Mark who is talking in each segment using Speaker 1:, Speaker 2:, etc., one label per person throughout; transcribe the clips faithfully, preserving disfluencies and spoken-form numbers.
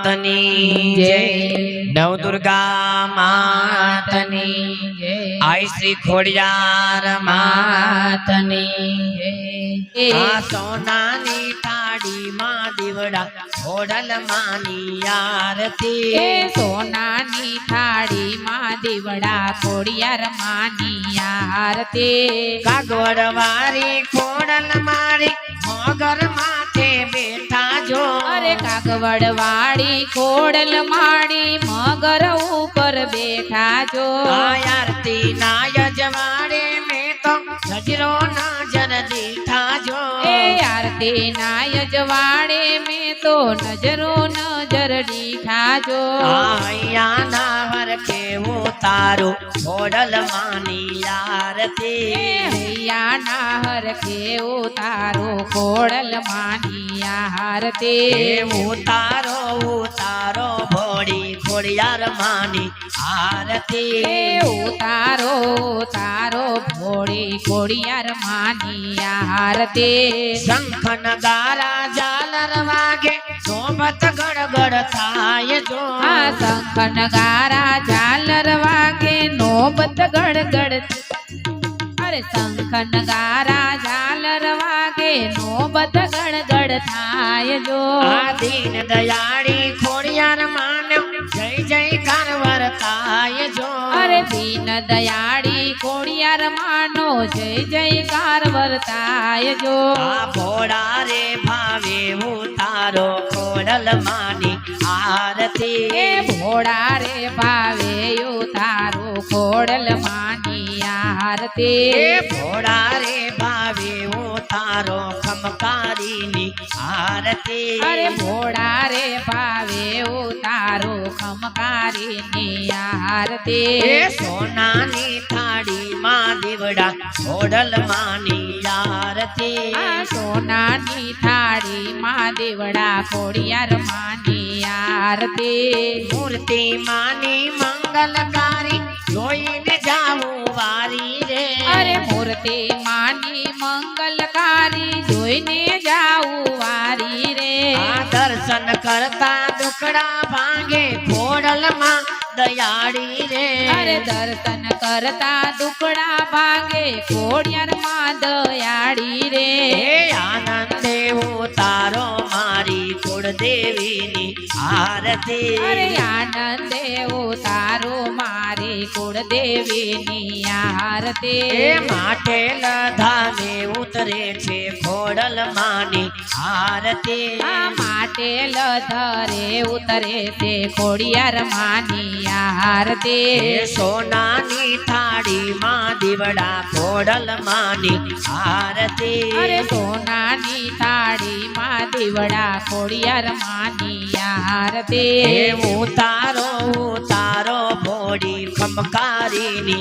Speaker 1: मातनी जय, नव दुर्गा मातनी जय, आई श्री खोड़ियार मातनी जय। आ सोनानी थाड़ी मां दीवड़ा खोड़ल मानी आरती,
Speaker 2: सोनानी थाड़ी मां दीवड़ा खोड़ियार मानी आरती।
Speaker 1: कागवड़ वारी खोड़ल मारी मगर माथे बेठा जो,
Speaker 2: अरे कागवड़ वाड़ी खोड़ल माड़ी मगर ऊपर बैठा जो।
Speaker 1: आरती ना यजवाड़े में तो नजरो नजर दीठा जो,
Speaker 2: ए आरती ना यजवाड़े में तो नजरो नजर दीठा जो।
Speaker 1: आया ना हर के उतारो खोड़ल मानी आरती,
Speaker 2: हैया नाहर के उतारो खोड़ल मानी आरती।
Speaker 1: उतारो उतारो भोड़ी खोड़ियार मानी आरती,
Speaker 2: उतारो उतारो भोड़ी खोड़ियार मानी आरती।
Speaker 1: शंख नगारा झालर वागे सोबत गड़गड़ थाय जो,
Speaker 2: आ शंख नगारा झालर वागे नोबत गड़गड़। अरे शंख नगारा झालर वागे नोबत गड़गड़ थाय जो।
Speaker 1: आ दीन दयाड़ी खोड़ियार मान्यो जय जय कार वर्ताय जो,
Speaker 2: अरे दीन दयाड़ी खोड़ियार मानो जय जयकार वर्ताय जो।
Speaker 1: आ भोड़ा रे भावे उतारो खोड़ल मानी आरती,
Speaker 2: ए भोड़ा रे भावे उतारो खोड़ल मानी आरती।
Speaker 1: ए भोड़ा रे भावे उतारो खमकारी नी आरती,
Speaker 2: अरे भोड़ा रे भावे उतारो खमकारी नी आरती।
Speaker 1: ए सोनानी थाड़ी मां दीवड़ा खोड़ल मानी आरती,
Speaker 2: आ सोनानी थाड़ी मां दीवड़ा खोड़ियार मानी आरती।
Speaker 1: मूर्ति मानी मंगलकारी जोईने जाऊ वारी रे,
Speaker 2: अरे मूर्ति मानी मंगलकारी जोईने जाऊ वारी रे।
Speaker 1: आ दर्शन करता दुखड़ा भांगे खोड़ल मां दयाड़ी रे,
Speaker 2: अरे दर्शन करता दुखड़ा भांगे खोड़ियार मां दयाड़ी रे।
Speaker 1: हे आनंदे उतारो मारी कुल देवी नी आरती,
Speaker 2: अरे आनंदे उतारो मारी कुल देवी नी आरती।
Speaker 1: हे माथे लधामे उतरे छे खोड़ल मानी आरती,
Speaker 2: आ माटे लधरे उतरे ते खोड़ियार मानी आरती।
Speaker 1: हे सोनानी थाड़ी मां दीवड़ा खोड़ल मानी आरती,
Speaker 2: अरे सोनानी थाड़ी मां दीवड़ा खोड़ियार मानी आरती।
Speaker 1: हे उतारो उतारो भोड़ी खमकारी नी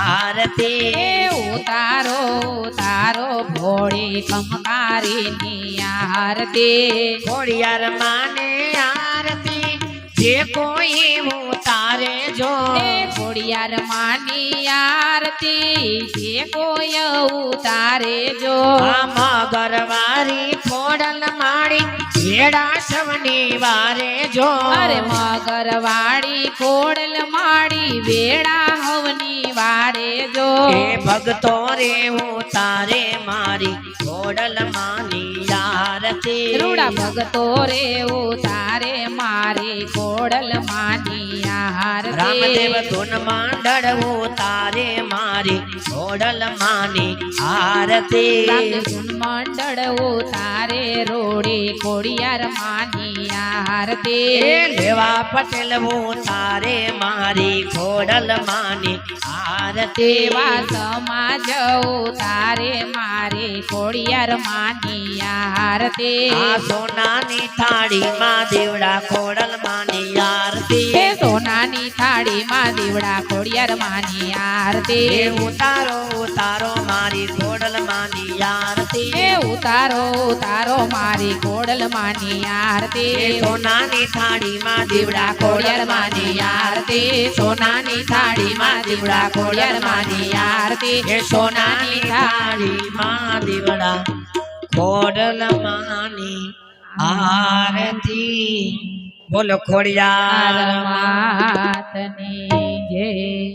Speaker 1: आरती,
Speaker 2: ए उतारो उतारो भोड़ी खमकारी नी आरती।
Speaker 1: खोड़ियार माने आरती जे कोई उतारे जो,
Speaker 2: ए खोड़ियार मानी आरती जे कोई उतारे जो।
Speaker 1: मगरवारी खोड़ल माड़ी भेड़ा सवनी वारे जो,
Speaker 2: अरे मगरवाड़ी खोड़ल माड़ी बेड़ा हवनी वारे जो।
Speaker 1: ए भगतो रे उतारे मारी खोड़ल मानी आरती,
Speaker 2: रूड़ा भगतो रे उतारे मारी खोड़ल मानी आरती।
Speaker 1: रामदेव धुन मांडड़ उतारे मारी खोड़ल मानी आरती,
Speaker 2: रामदेव धुन मंडड़ उतारे रोड़ी खोड़ियार मानी आरती।
Speaker 1: लेवा पटेल उतारे मारी खोड़ल मानी आरती,
Speaker 2: देवा समाज उतारे मारी खोड़ियार मानी आरती।
Speaker 1: आ सोनानी थाड़ी मां दीवड़ा खोड़ल मानी आरती,
Speaker 2: हे सोनानी थाड़ी मां दीवड़ा खोड़ियार मानी आरती।
Speaker 1: हे उतारो उतारो मारी खोड़ल मानी आरती,
Speaker 2: हे उतारो उतारो मारी खोड़ल मानी आरती।
Speaker 1: हे सोनानी थाड़ी मां दीवड़ा खोड़ल मानी आरती,
Speaker 2: सोनानी थाड़ी मां दीवड़ा खोड़ियार मानी आरती।
Speaker 1: हे सोनानी थाड़ी मां दीवड़ा खोड़ल मानी आरती। બોલો ખોડિયાર
Speaker 2: માતની જય